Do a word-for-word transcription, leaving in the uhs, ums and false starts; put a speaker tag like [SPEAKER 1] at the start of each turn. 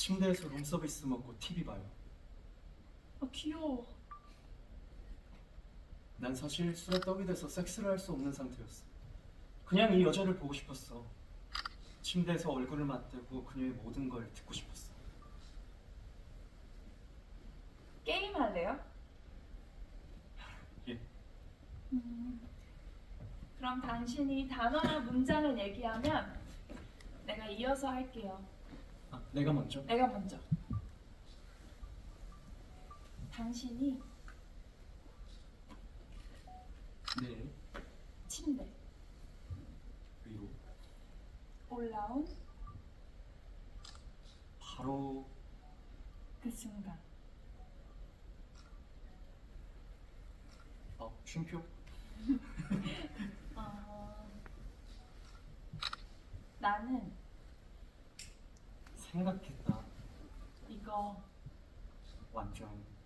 [SPEAKER 1] 침대에서 룸서비스 먹고 티비 봐요.
[SPEAKER 2] 아 귀여워.
[SPEAKER 1] 난 사실 술에 떡이 돼서 섹스를 할 수 없는 상태였어. 그냥 이 여자를 보고 싶었어. 침대에서 얼굴을 맞대고 그녀의 모든 걸 듣고 싶었어.
[SPEAKER 2] 게임 할래요?
[SPEAKER 1] 예.
[SPEAKER 2] 음, 그럼 당신이 단어나 문장을 얘기하면 내가 이어서 할게요.
[SPEAKER 1] 아, 내가 먼저?
[SPEAKER 2] 내가 먼저. 당신이
[SPEAKER 1] 네.
[SPEAKER 2] 침대
[SPEAKER 1] 위로.
[SPEAKER 2] 올라온
[SPEAKER 1] 바로
[SPEAKER 2] 그 순간
[SPEAKER 1] 어, 쉼표?
[SPEAKER 2] 어, 나는
[SPEAKER 1] 생각했다.
[SPEAKER 2] 이거
[SPEAKER 1] 완전